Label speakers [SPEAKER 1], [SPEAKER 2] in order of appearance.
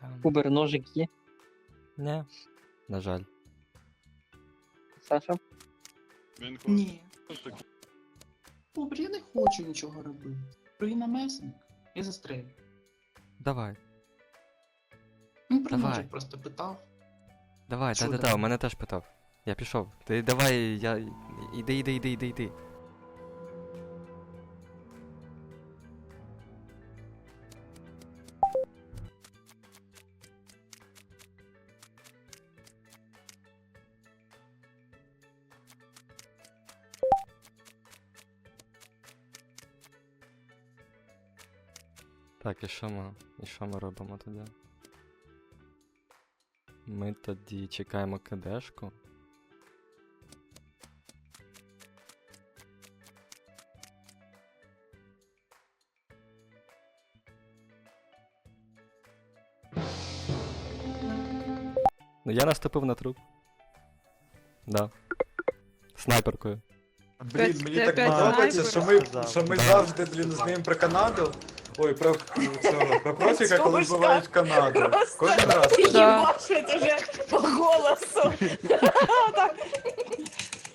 [SPEAKER 1] Кубер, ножик є.
[SPEAKER 2] Не, на жаль.
[SPEAKER 1] Саша?
[SPEAKER 3] Він хоче
[SPEAKER 4] Ні.
[SPEAKER 3] таки.
[SPEAKER 4] Добре, я не хочу нічого робити. Руїна месник. Я застрелю.
[SPEAKER 2] Давай,
[SPEAKER 4] Ну, про
[SPEAKER 2] Давай.
[SPEAKER 4] ножик просто питав.
[SPEAKER 2] давай,
[SPEAKER 4] Що
[SPEAKER 2] та-та-та,
[SPEAKER 4] давай?
[SPEAKER 2] у мене теж питав. Я пішов. Ти давай, я. Іди. Так, і що ми робимо тоді? Ми тоді чекаємо кидешку. Ну я наступив на труп. Да. Снайперкою.
[SPEAKER 5] Блін, мені
[SPEAKER 6] Ти
[SPEAKER 5] так
[SPEAKER 6] опять
[SPEAKER 5] подобається,
[SPEAKER 6] снайпер?
[SPEAKER 5] що ми завжди, блін, знаємо про Канаду. Ой, про цього, про профіка, коли вбивають Канаду. Кожен раз.
[SPEAKER 6] Да.
[SPEAKER 7] Ебашит уже по голосу. Так,